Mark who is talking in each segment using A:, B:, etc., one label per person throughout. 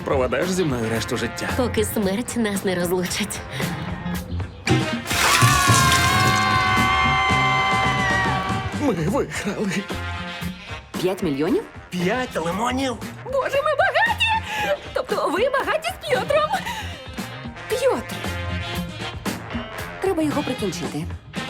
A: проведеш зі мною решту життя.
B: Поки смерть нас не розлучить.
A: Ми виграли.
C: 5 мільйонів?
D: 5 лимонів?
B: Боже, ми багаті! Тобто ви багаті з П'єтром?
C: П'єтр! Треба його прикінчити.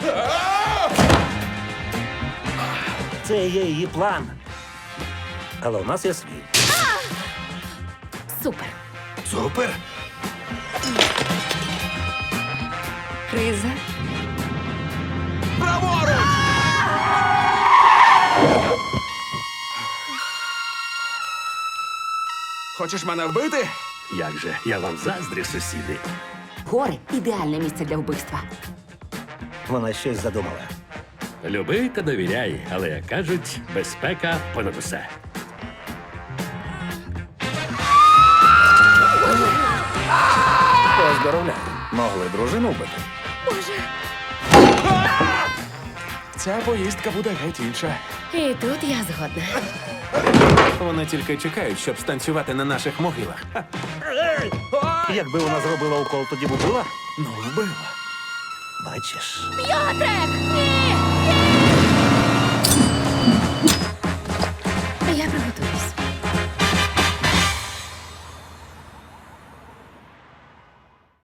D: Це є її план. Але у нас є свій.
B: Супер.
D: Супер!
C: Криза.
A: Хочеш мене вбити?
E: Як же, я вам заздрю, сусіди.
C: Гори ідеальне місце для вбивства.
D: Вона щось задумала.
E: Люби та довіряй, але, як кажуть, безпека понад усе.
A: Поздоровляю. Могли дружину вбити.
B: Боже.
A: Ця поїздка буде геть інша.
B: І тут я згодна.
A: Вони тільки чекають, щоб станцювати на наших могилах.
D: Якби вона зробила укол, тоді б убила?
A: Ну, вбила.
D: Бачиш.
B: П'єтрик! Ні!